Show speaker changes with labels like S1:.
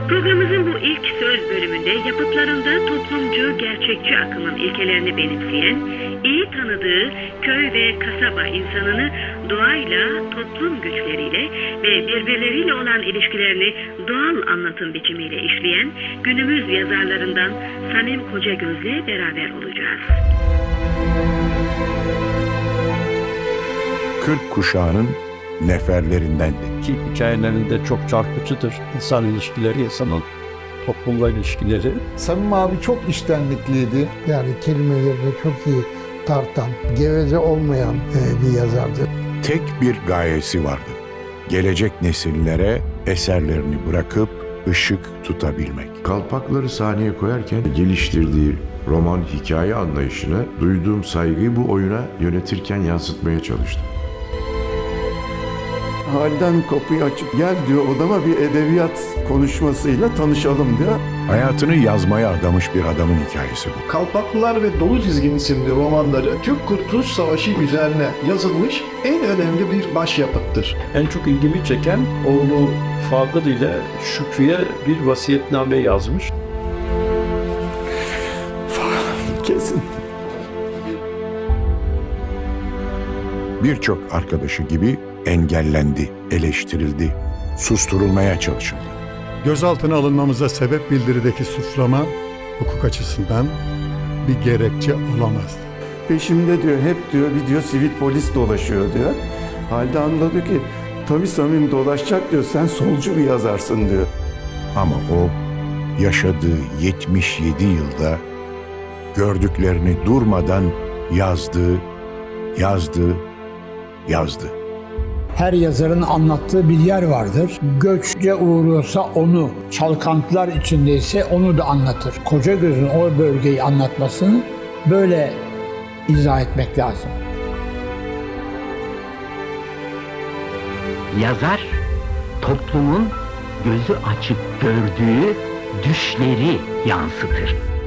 S1: Programımızın bu ilk söz bölümünde yapıtlarında toplumcu, gerçekçi akımın ilkelerini benimseyen, iyi tanıdığı köy ve kasaba insanını doğayla, toplum güçleriyle ve birbirleriyle olan ilişkilerini doğal anlatım biçimiyle işleyen günümüz yazarlarından Samim Kocagöz'le beraber olacağız.
S2: 40 kuşağının neferlerindendi.
S3: Ki hikayelerinde çok çarpıcıdır. İnsan ilişkileri, insanın toplumla ilişkileri.
S4: Samim abi çok içtenlikliydi.
S5: Yani kelimelerini çok iyi tartan, geveze olmayan bir yazardı.
S2: Tek bir gayesi vardı. Gelecek nesillere eserlerini bırakıp ışık tutabilmek.
S6: Kalpakları sahneye koyarken geliştirdiği roman hikaye anlayışına duyduğum saygıyı bu oyuna yönetirken yansıtmaya çalıştım.
S7: Halden kapıyı açıp gel diyor odama bir edebiyat konuşmasıyla tanışalım diyor.
S2: Hayatını yazmaya adamış bir adamın hikayesi bu.
S8: Kalpaklılar ve Dolu Dizgin isimli romanları Türk-Kurtuluş Savaşı üzerine yazılmış en önemli bir başyapıttır.
S3: En çok ilgimi çeken oğlu Fadıl ile Şükrü'ye bir vasiyetname yazmış.
S7: Kesin.
S2: Birçok arkadaşı gibi engellendi, eleştirildi, susturulmaya çalışıldı.
S4: Gözaltına alınmamıza sebep bildirideki suçlama hukuk açısından bir gerekçe olamazdı.
S7: Peşimde diyor hep diyor bir diyor sivil polis dolaşıyor diyor. Halde anladı ki tabii Samim dolaşacak diyor sen solcu bir yazarsın diyor.
S2: Ama o yaşadığı 77 yılda gördüklerini durmadan yazdı.
S9: Her yazarın anlattığı bir yer vardır. Göçce uğruyorsa onu, çalkantılar içindeyse onu da anlatır. Kocagöz'ün o bölgeyi anlatmasını böyle izah etmek lazım.
S10: Yazar, toplumun gözü açık gördüğü düşleri yansıtır.